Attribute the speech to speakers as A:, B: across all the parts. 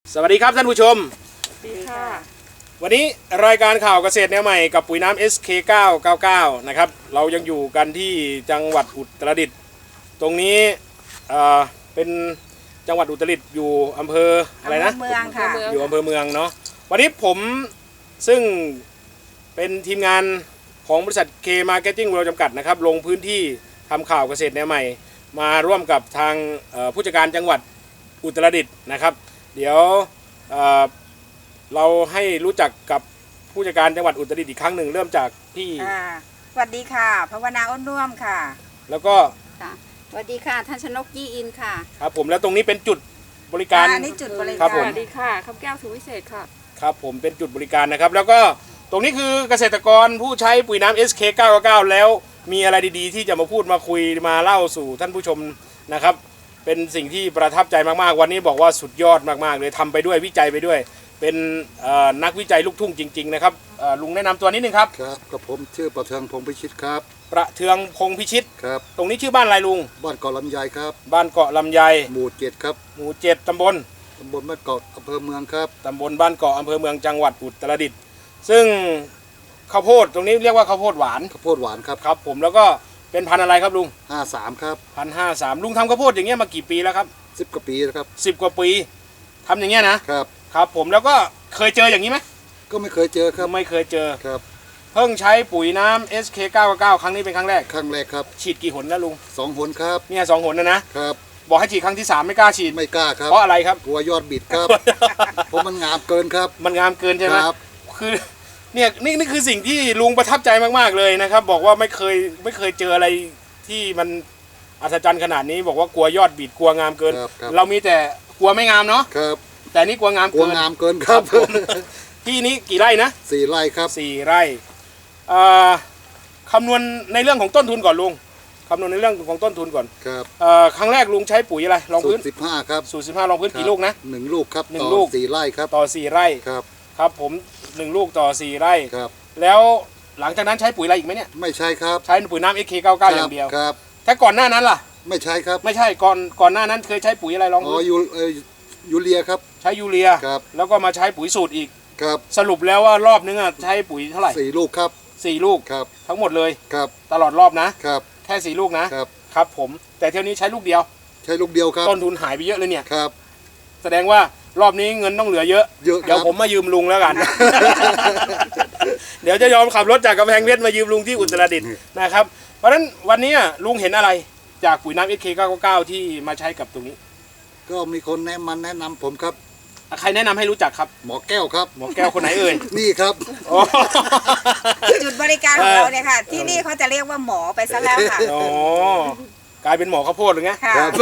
A: สวัสดีครับท่านผู้ชม
B: ดีค่ะ
A: วันนี้รายการข่าวเกษตรแนวใหม่กับปุ๋ยน้ำ SK999 นะครับเรายังอยู่กันที่จังหวัดอุตรดิตถ์ตรงนี้เป็นจังหวัดอุตรดิตถ์อยู่อำเภออะไรนะ
B: เมืองค่ะ
A: อยู่อำเภอเมืองเนาะวันนี้ผมซึ่งเป็นทีมงานของบริษัท K Marketing World จำกัดนะครับลงพื้นที่ทำข่าวเกษตรแนวใหม่มาร่วมกับทางผู้จัดการจังหวัดอุตรดิตถ์นะครับเดี๋ยวเราให้รู้จักกับผู้จัดการจังหวัดอุตรดิตถ์อีกครั้งหนึ่งเริ่มจากพี่
B: สวัสดีค่ะภาวนาอ้นน่วมค่ะ
A: แล้วก็
B: สวัสดีค่ะท่านชนกยี่อินค่ะ
A: ครับผมแล้วตรงนี้เป็นจุดบริการ
B: นี่จุดบริ
A: การ
B: ส
A: วั
B: สดีค่ะคำแก้วสุวิเศษค่ะ
A: ครับผมเป็นจุดบริการนะครับแล้วก็ตรงนี้คือเกษตรกรผู้ใช้ปุ๋ยน้ำ SK999 แล้วมีอะไรดีๆที่จะมาพูดมาคุยมาเล่าสู่ท่านผู้ชมนะครับเป็นสิ่งที่ประทับใจมากๆวันนี้บอกว่าสุดยอดมากๆเลยทำไปด้วยวิจัยไปด้วยเป็นนักวิจัยลูกทุ่งจริงๆนะครับลุงแนะนำตัวนิดนึงครับ
C: ครับกับผมชื่อประเทืองพงพิชิตครับ
A: ประเทืองพงพิชิต
C: ครับ
A: ตรงนี้ชื่อบ้านอะไรลุง
C: บ้านเกาะลำไยครับ
A: บ้านเกาะลำไย
C: หมู่7ครับ
A: หมู่7ตำบล
C: บ้านเกาะอำเภอเมืองครับ
A: ตำบลบ้านเกาะอำเภอเมืองจังหวัดอุตรดิตถ์ซึ่งข้าวโพดตรงนี้เรียกว่าข้าวโพดหวาน
C: ข้าวโพดหวานครับ
A: ครับผมแล้วก็เป็นพันธุ์อะไรครับลุง
C: 53ครับ
A: 1,053ลุงทำข้าวโพดอย่างเงี้ยมากี่ปีแล้วครับ
C: 10 กว่าปีแล้วครับ
A: 10 กว่าปีทำอย่างเงี้ยนะครับครับผมแล้วก็เคยเจออย่างนี้ไหม
C: ก็ไม่เคยเจอครับ
A: ไม่เคยเจอ
C: ครับ
A: เพิ่งใช้ปุ๋ยน้ำ SK999 ครั้งนี้เป็นครั้งแรก
C: ครับ
A: ฉีดกี่หนแล้วลุง
C: 2 หนครับ
A: เนี่ย2 หนนะครับบอกให้ฉีดครั้งที่3ไม่กล้าฉีด
C: ไม่กล้าครับ
A: เพราะอะไรครับ
C: กลัวยอดบิดครับเพราะมันงามเกินครับ
A: มันงามเกินใช่ไหม
C: ครับ
A: คือเนี่ยนี่คือสิ่งที่ลุงประทับใจมากๆเลยนะครับบอกว่าไม่เคยเจออะไรที่มันอัศจรรย์ขนาดนี้บอกว่ากลัวยอดบิดกลัวงามเกินเรามีแต่กลัวไม่งามเนาะ
C: ครับ
A: แต่นี่กลัวงาม
C: เกินครับ
A: ที่นี้กี่ไร่นะ
C: 4 ไร่ครับ
A: 4 ไร่คำนวณในเรื่องของต้นทุนก่อนลุงคำนวณในเรื่องของต้นทุนก่อน
C: ครับ
A: ครั้งแรกลุงใช้ปุ๋ยอะไรรองพื้น
C: 15ครับ
A: สูตร15รองพื้นกี่ลูกนะ
C: 1 ลูกครับ
A: 1 ลูก
C: 4 ไร่ครับ
A: ต่อ4 ไร่
C: ครับ
A: ครับผม1 ลูกต่อ4 ไร่
C: ครับ
A: แล้วหลังจากนั้นใช้ปุ๋ยอะไรอีกไหมเนี่ย
C: ไม่ใช่ครับ
A: ใช้ปุ๋ยน้ำ SK99 อย่างเดียว
C: ครับ
A: ถ้าก่อนหน้านั้นล่ะ
C: ไม่ใช่ครับ
A: ไม่ใช่ก่อนหน้านั้นเคยใช้ปุ๋ยอะไรลองดู
C: ยูเรียครับ
A: ใช้ยูเรีย
C: ครับ
A: แล้วก็มาใช้ปุ๋ยสูตรอีก
C: ครับ
A: สรุปแล้วว่ารอบนึงใช้ปุ๋ยเท่าไหร่
C: 4 ลูกครับ
A: 4 ลูก
C: ครับ
A: ทั้งหมดเลย
C: ครับ
A: ตลอดรอบนะครับแค่4 ลูกนะครับครับผมแต่เที่ยวนี้ใช้ลูกเดียว
C: ใช้ลูกเดียวครับ
A: ต้นทุนหายไปเยอะเลยเนี่ย
C: ครับ
A: แสดงว่ารอบนี้เงินต้องเหลือเยอะเดี๋ยวผมมายืมลุงแล้วกัน เดี๋ยวจะยอมขับรถจากกำแพงเพชรมายืมลุงที่อุตรดิตถ์นะครับเพราะฉะนั้นวันนี้ลุงเห็นอะไรจากปุ๋ยน้ำ SK999 ที่มาใช้กับตรงนี้
C: ก็มีคนแนะนำผมครับ
A: ใครแนะนำให้รู้จักครับ
C: หมอแก้วครับ
A: หมอแก้วคนไหนเอ่ย
C: นี่ครับ
B: จุดบริการของเราเนี่ยค่ะที่นี่เขาจะเรียกว่าหมอไปซะแล้วค่ะ
A: อ๋อกลายเป็นหมอข้าวโพดหรือไง
C: ครับ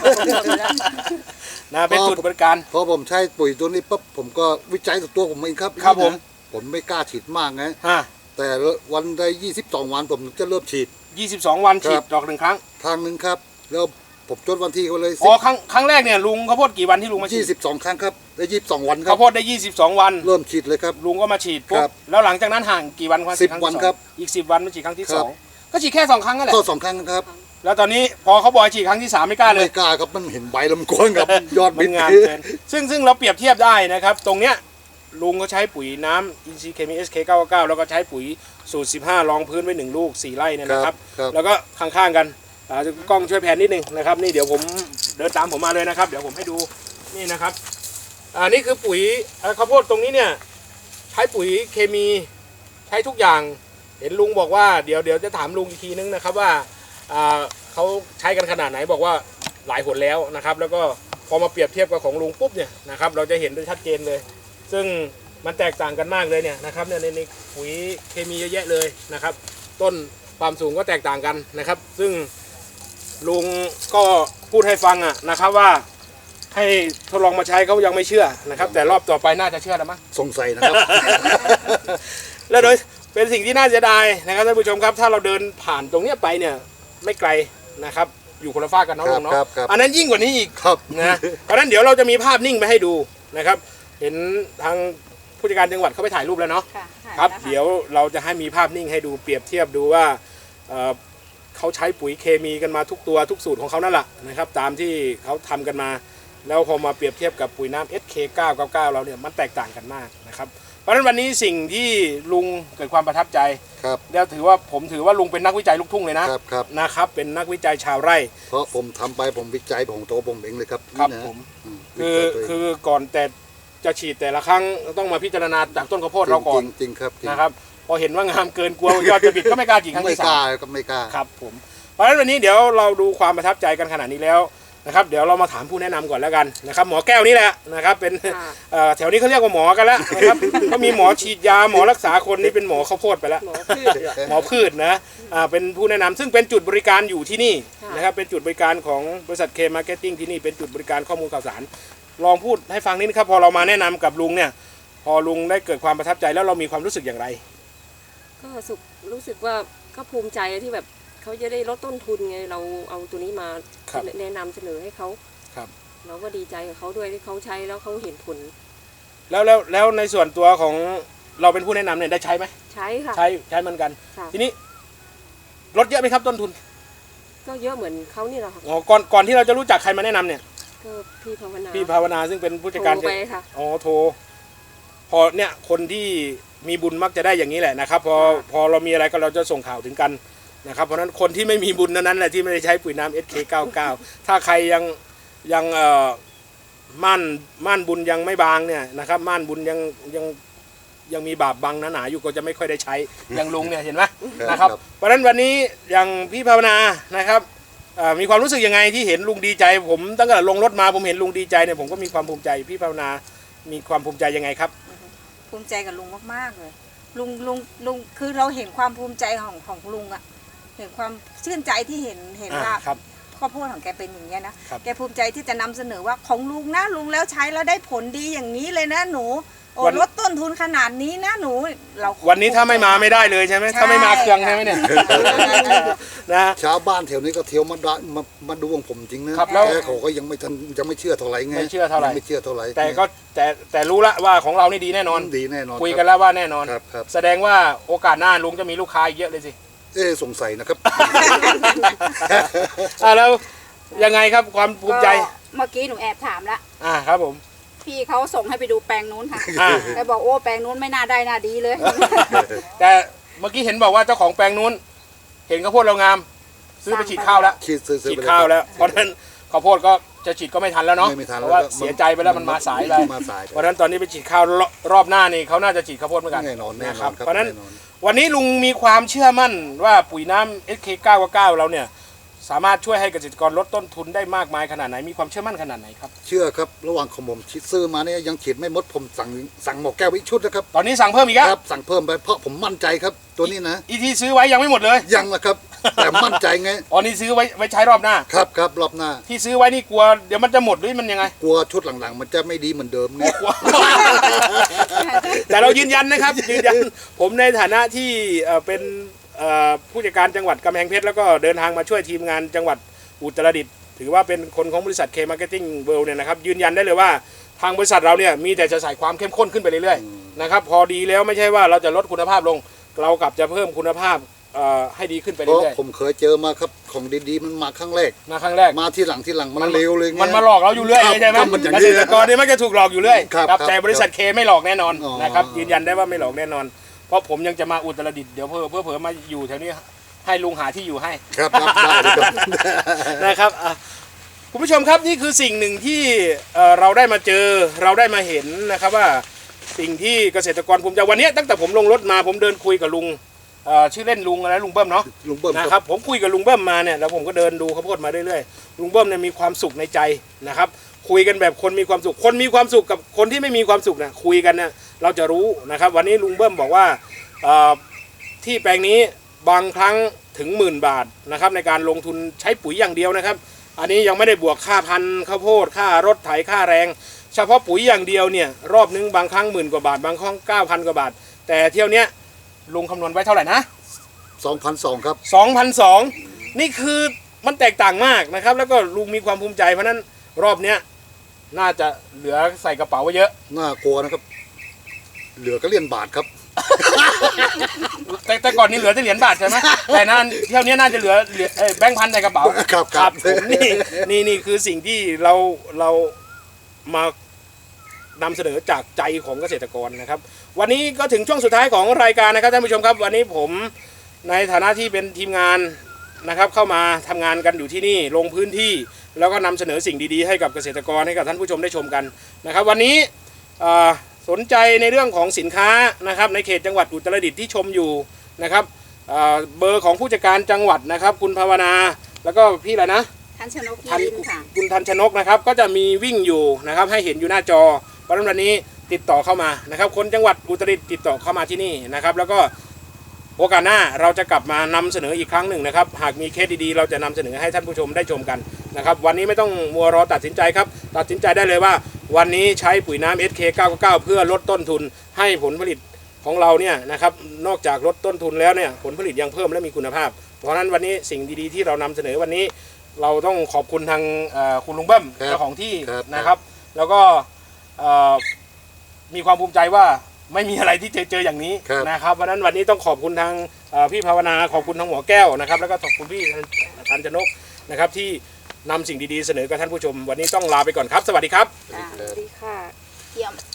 A: นะเป็นจุดบริการ
C: พอผมใช้ปุ๋ยตัวนี้ปั๊บผมก็วิจัยตัวผมเองครับ
A: ครับ
C: ผมไม่กล้าฉีดมากไงแต่วันได้22 วันผมจะเริ่มฉีด
A: 22 วันฉีดดอก1 ครั้ง
C: ทางนึงครับแล้วผมจดวันที่เขาเลย
A: อ๋อครั้งแรกเนี่ยลุงข้าวโพดกี่วันที่ลุงมาฉีด
C: 22 ครั้งครับได้22 วันครับ
A: ข้าวโพดได้22 วัน
C: เริ่มฉีดเลยครับ
A: ลุงก็มาฉีดปุ๊บแล้วหลังจากนั้นห่างกี่วันครับ
C: 10 วันครับ
A: อีก10 วันมาฉีดครั้งที่2ก็ฉีดแค่2 ครั้งนั่นแหละ
C: ก็2 ครั้งครับ
A: แล้วตอนนี้พอเขาบอกฉีดครั้งที่3ไม่กล้าเลย
C: ไม่กล้าครับมันเห็นใบลำกวนกับยอด
A: มันงามเกินซึ่งเราเปรียบเทียบได้นะครับตรงเนี้ยลุงก็ใช้ปุ๋ยน้ำอินทรีย์เคมี SK999 แล้วก็ใช้ปุ๋ยสูตร15รองพื้นไว้1 ลูก4 ไร่เนี่ยนะครับแล้วก็ข้างๆกันกล้องช่วยแผนนิดนึงนะครับนี่เดี๋ยวผมเดินตามผมมาเลยนะครับเดี๋ยวผมให้ดูนี่นะครับนี่คือปุ๋ยข้าวโพดตรงนี้เนี่ยใช้ปุ๋ยเคมีใช้ทุกอย่างเห็นลุงบอกว่าเดี๋ยวจะถามลุงอีกทีนึงนะครับว่าเขาใช้กันขนาดไหนบอกว่าหลายหนแล้วนะครับแล้วก็พอมาเปรียบเทียบกับของลุงปุ๊บเนี่ยนะครับเราจะเห็นได้ชัดเจนเลยซึ่งมันแตกต่างกันมากเลยเนี่ยนะครับในปุ๋ยเคมีเยอะแยะเลยนะครับต้นความสูงก็แตกต่างกันนะครับซึ่งลุงก็พูดให้ฟังนะครับว่าให้ทดลองมาใช้เขายังไม่เชื่อนะครับแต่รอบต่อไปน่าจะเชื่อแล้วมั้ง
C: สงสัยนะครับ
A: แล้วโดยเป็นสิ่งที่น่าเสียดายนะครับท่านผู้ชมครับถ้าเราเดินผ่านตรงนี้ไปเนี่ยไม่ไกลนะครับอยู่คนละฝากกันน้องลุงเนาะอันนั้นยิ่งกว่านี้อีกนะเพราะฉะนั้นเดี๋ยวเราจะมีภาพนิ่งไปให้ดูนะครับเห็นทางผู้จัดการจังหวัดเขาไปถ่ายรูปแล้วเนาะครับเดี๋ยวเราจะให้มีภาพนิ่งให้ดูเปรียบเทียบดูว่าเขาใช้ปุ๋ยเคมีกันมาทุกตัวทุกสูตรของเขานั่นแหละนะครับตามที่เขาทำกันมาแล้วพอมาเปรียบเทียบกับปุ๋ยน้ำ SK999 เราเนี่ยมันแตกต่างกันมากนะครับเพราะฉะนั้นวันนี้สิ่งที่ลุงเกิดความประทับใจ
C: ครับ
A: แล้วผมถือว่าลุงเป็นนักวิจัยลูกทุ่งเลยนะครับนะครับเป็นนักวิจัยชาวไร่
C: เพราะผมทำไปผมวิจัยของตัวผมเองเลยครับ
A: ครับ
C: นี่นะ
A: ผม
C: วิจัยตัวเอง
A: คือก่อนแต่จะฉีดแต่ละครั้งต้องมาพิจารณาจากต้นข้าวโพดเราก่อน
C: จริงๆครับจริง
A: นะครับพอเห็นว่างามเกินกลัวยอดจะบิดก็ไม่กล้าฉีดครั้ง
C: ไม่
A: ที่
C: ก
A: สา
C: ล้าม ก็ไม่กล้า
A: ครับผมเพราะฉะนั้นวันนี้เดี๋ยวเราดูความประทับใจกันขนาดนี้แล้วนะครับเดี๋ยวเรามาถามผู้แนะนำก่อนแล้วกันนะครับหมอแก้วนี่แหละนะครับเป็นแถวนี้เขาเรียกว่าหมอกันแล้วนะครับก็มีหมอฉีดยาหมอรักษาคนนี่เป็นหมอข้าวโพดไปแล้วหมอพืชนะเป็นผู้แนะนำซึ่งเป็นจุดบริการอยู่ที่นี่นะครับเป็นจุดบริการของบริษัทเคมาร์เก็ตติ้งที่นี่เป็นจุดบริการข้อมูลข่าวสารลองพูดให้ฟังนิดนะครับพอเรามาแนะนำกับลุงเนี่ยพอลุงได้เกิดความประทับใจแล้วเรามีความรู้สึกอย่างไร
D: ก็รู้สึกว่าก็ภูมิใจที่แบบเขาจะได้ลดต้นทุนไงเราเอาตัวนี้มา
A: ครับ
D: แนะนำเสนอให้เขา
A: ครับ
D: เราก็ดีใจกับเขาด้วยที่เขาใช้แล้วเขาเห็นผล
A: แล้วในส่วนตัวของเราเป็นผู้แนะนำเนี่ยได้ใช้ไหม
D: ใช้ค่ะ
A: ใช้เหมือนกัน
D: ค่ะ
A: ทีนี้ลดเยอะไหมครับต้นทุน
D: ก็เยอะเหมือนเขานี่แหละค่ะ
A: อ๋อก่อนที่เราจะรู้จักใครมาแนะนำเนี่ย
D: ก็พี่ภาวนา
A: พี่ภาวนาซึ่งเป็นผู้จัดการ
D: โทรไปค่ะ
A: อ๋อโทรพอเนี่ยคนที่มีบุญมักจะได้อย่างนี้แหละนะครับพอเรามีอะไรก็เราจะส่งข่าวถึงกันนะครับเพราะฉะนั้นคนที่ไม่มีบุญนั้นแหละที่ไม่ได้ใช้ปุ๋ยน้ำ SK99 ถ้าใครยังม่านบุญยังไม่บางเนี่ยนะครับม่านบุญยังมีบาปบังหนาๆอยู่ก็จะไม่ค่อยได้ใช้อย่างลุงเนี่ยเห็นไหมนะครับเพราะฉะนั้นวันนี้อย่างพี่ภาวนานะครับมีความรู้สึกยังไงที่เห็นลุงดีใจผมตั้งแต่ลงรถมาผมเห็นลุงดีใจเนี่ยผมก็มีความภูมิใจพี่ภาวนามีความภูมิใจยังไงครับ
B: ภูมิใจกับลุงมากๆเลยลุงคือเราเห็นความภูมิใจของลุงอะเห็นความชื่นใจที่เห็นว่า
A: ครับ
B: ข้าวโพดของแกเป็นอย่างเงี้ยนะครับ แกภูมิใจที่จะนำเสนอว่าของลุงนะลุงแล้วใช้แล้วได้ผลดีอย่างนี้เลยนะหนูโอ้
A: วัน
B: ลดต้นทุนขนาดนี้นะหนูเรา
A: วันนี้ถ้าไม่มาไม่ได้เลยใช่ไหม
B: ใช่
A: ถ้าไม่มาเครื่องใช่ไหมเนี่ยนะ
C: ชาวบ้านแถวนี้ก็เที่ยวมาดูของผมจริงนะครับ
A: แล้ว
C: แต่เขาก็ยังไม่เชื่อเท่าไหร่ไง
A: ไม่เชื่อเท่าไหร่
C: ยังไม่เชื่อเท่าไหร่
A: แต่รู้ละว่าของเรานี่ดีแน่นอน
C: ดีแน่นอน
A: คุยกันแล้วว่าแน่นอน
C: ครับครับ
A: แสดงว่าโอกาสหน้าลุงจะมีลูกค้าอีกเยอะเลยสิ
C: สงสัยนะครับ
A: แล้วยังไงครับความภูมิใจ
E: ก็เมื่อกี้หนูแอบถามละ
A: ครับผม
E: พี่เขาส่งให้ไปดูแปลงนู้นค่ะ
A: อ่า
E: แต่บอกโอ้แปลงนู้นไม่น่าได้น่าดีเลย
A: แต่เมื่อกี้เห็นบอกว่าเจ้าของแปลงนู้น เห็นข้าวโพดเรางาม ซื้อไปฉีดข้าวแล้ว
C: ซื้อ
A: ฉีด
C: ไป
A: ข้าวแล้ว เพราะฉะนั้นข้าวโพดก็จะฉีดก็ไม่ทันแล้วเนาะ
C: ไม่ทัน
A: เพ
C: แล้ว
A: ราะว่า
C: ก็
A: เสียใจไปแล้วมันมาสายไป
C: มาสายไป
A: เพราะฉะนั้นตอนนี้ไปฉีดข้าวรอบหน้านี่เขาน่าจะฉีดข้าวโพดเหมือนกัน
C: แน่นอน
A: นะครับ
C: ครับ
A: เพราะฉะนั้น
C: แน่นอน
A: วันนี้ลุงมีความเชื่อมั่นว่าปุ๋ยน้ำ SK999 เราเนี่ยสามารถช่วยให้เกษตรกรลดต้นทุนได้มากมายขนาดไหนมีความเชื่อมั่นขนาดไหนครับ
C: เชื่อครับระหว่างของผมซื้อมาเนี่ยยังฉีดไม่หมดผมสั่งหมอแก้วอีกชุดนะครับ
A: ตอนนี้สั่งเพิ่มอีกแล้ว
C: ครับสั่งเพิ่มไปเพราะผมมั่นใจครับ ตัวนี้นะ
A: อีที่ซื้อไว้ยังไม่หมดเลย
C: ยังนะครับ แต่มั่นใจไง
A: อ๋อนี่ซื้อไว้ใช้รอบหน้า
C: ครับรอบหน้า
A: ที่ซื้อไว้นี่กลัวเดี๋ยวมันจะหมดหรือมันยังไง
C: กลัวชุดหลังๆ มันจะไม่ดีเหมือนเดิมไง
A: กลัว แต่เรายืนยันนะครับยืนยันผมในฐานะที่เป็นผู้จัดการจังหวัดกำแพงเพชรแล้วก็เดินทางมาช่วยทีมงานจังหวัดอุตรดิตถ์ถือว่าเป็นคนของบริษัท K Marketing World เนี่ยนะครับยืนยันได้เลยว่าทางบริษัทเราเนี่ยมีแต่จะใส่ความเข้มข้นขึ้นไปเรื่อยๆนะครับพอดีแล้วไม่ใช่ว่าเราจะลดคุณภาพลง เรากลับจะเพิ่มคุณภาพให้ดีขึ้นไป
C: เพราะ
A: เรื่อย
C: ผมเคยเจอมาครับของดีๆมันมาครั้งแรก
A: ๆมาครั้งแรก
C: มาที่หลังมันเร็วเลยไง
A: มันมาหลอกเราอยู่เรื่อย
C: ครับ
A: ใช่ไหม
C: ครับมันอย่าง
A: เก
C: นี้
A: ษตรกรเนี่ยมักจะถูกหลอกอยู่เรื่อย
C: ครับ
A: ครับ
C: ครับ
A: แต่บริษัทเคไม่หลอกแน่นอน
C: อ๋อ
A: นะครับยืนยันได้ว่าไม่หลอกแน่นอน เพราะผมยังจะมาอุตรดิตถ์เดี๋ยวเผลอมาอยู่แถวนี้ให้ลุงหาที่อยู่ให้
C: ครับได้เลยครับ
A: นะครับคุณผู้ชมครับนี่คือสิ่งหนึ่งที่เราได้มาเจอเราได้มาเห็นนะครับว่าสิ่งที่เกษตรกรภูมิใจวันนี้ตั้งแต่ผมลงรถมาผมเดินคุยกับลุงชื่อเล่นลุงอะไรลุงเบิ้มเนาะ
C: ลุงเบิ้ม
A: นะค
C: ค
A: รั
C: รั
A: บบ ผมคุยกับลุงเบิ้มมาเนี่ยแล้วผมก็เดินดูข้าวโพดมาเรื่อยๆลุงเบิ้มเนี่ยมีความสุขในใจนะครับคุยกันแบบคนมีความสุขคนมีความสุขกับคนที่ไม่มีความสุขเนี่ยคุยกันเนี่ยเราจะรู้นะครับวันนี้ลุงเบิ้มบอกว่าที่แปลงนี้บางครั้งถึง10,000 บาทนะครับในการลงทุนใช้ปุ๋ยอย่างเดียวนะครับอันนี้ยังไม่ได้บวกค่าพันธุ์ข้าวโพดค่ารถไถค่าแรง เฉพาะปุ๋ยอย่างเดียวเนี่ยรอบนึงบางครั้ง10,000 กว่าบาทบางครั้ง9,000 กว่าบาทแต่เที่ยวเนี้ยลุงคำนวณไว้เท่าไหร่นะ
C: 2,200 ครับ
A: 2,200นี่คือมันแตกต่างมากนะครับแล้วก็ลุงมีความภูมิใจเพราะนั้นรอบเนี้ยน่าจะเหลือใส่กระเป๋าไว้เยอะ
C: น่ากลัวนะครับ เหลือก็เหรียญบาทครับ
A: แต่ก่อนนี้เหลือแต่เหรียญบาทใช่ไหมแต่นั้นเที่ยวนี้น่าจะเหลือแบงค์พันในกระเป๋า
C: ครับ
A: ผมนี่คือสิ่งที่เรามานำเสนอจากใจของเกษตรกรนะครับวันนี้ก็ถึงช่วงสุดท้ายของรายการนะครับท่านผู้ชมครับวันนี้ผมในฐานะที่เป็นทีมงานนะครับเข้ามาทำงานกันอยู่ที่นี่ลงพื้นที่แล้วก็นำเสนอสิ่งดีๆให้กับเกษตรกรให้กับท่านผู้ชมได้ชมกันนะครับวันนี้สนใจในเรื่องของสินค้านะครับในเขตจังหวัดอุตรดิตถ์ที่ชมอยู่นะครับเบอร์ของผู้จัดการจังหวัดนะครับคุณภาวนาแล้วก็พี่อะไรนะ
E: ทันชนก
A: ทัน
E: ยินค่ะ
A: คุณทันชนกนะครับก็จะมีวิ่งอยู่นะครับให้เห็นอยู่หน้าจอเพราะฉะนั้นวันนี้ติดต่อเข้ามานะครับคนจังหวัดอุตรดิตถ์ติดต่อเข้ามาที่นี่นะครับแล้วก็โอกาสหน้าเราจะกลับมานำเสนออีกครั้งหนึ่งนะครับหากมีเคสดีๆเราจะนำเสนอให้ท่านผู้ชมได้ชมกันนะครับวันนี้ไม่ต้องมัวรอตัดสินใจครับตัดสินใจได้เลยว่าวันนี้ใช้ปุ๋ยน้ำ SK999 เพื่อลดต้นทุนให้ผลผลิตของเราเนี่ยนะครับนอกจากลดต้นทุนแล้วเนี่ยผลผลิตยังเพิ่มและมีคุณภาพเพราะฉะนั้นวันนี้สิ่งดีๆที่เรานำเสนอวันนี้เราต้องขอบคุณทางคุณลุงเบิ้มเจ้าของที่นะครับแล้วก็มีความภูมิใจว่าไม่มีอะไรที่เจออย่างนี้นะครับเพราะฉะนั้นวันนี้ต้องขอบคุณทางพี่ภาวนาขอบคุณทางหมอแก้วนะครับแล้วก็ขอบคุณพี่ทันชนกนะครับที่นำสิ่งดีๆเสนอกับท่านผู้ชมวันนี้ต้องลาไปก่อนครับสวัสดีครับ
D: สวัสดีค่ะ
E: เยี่ยม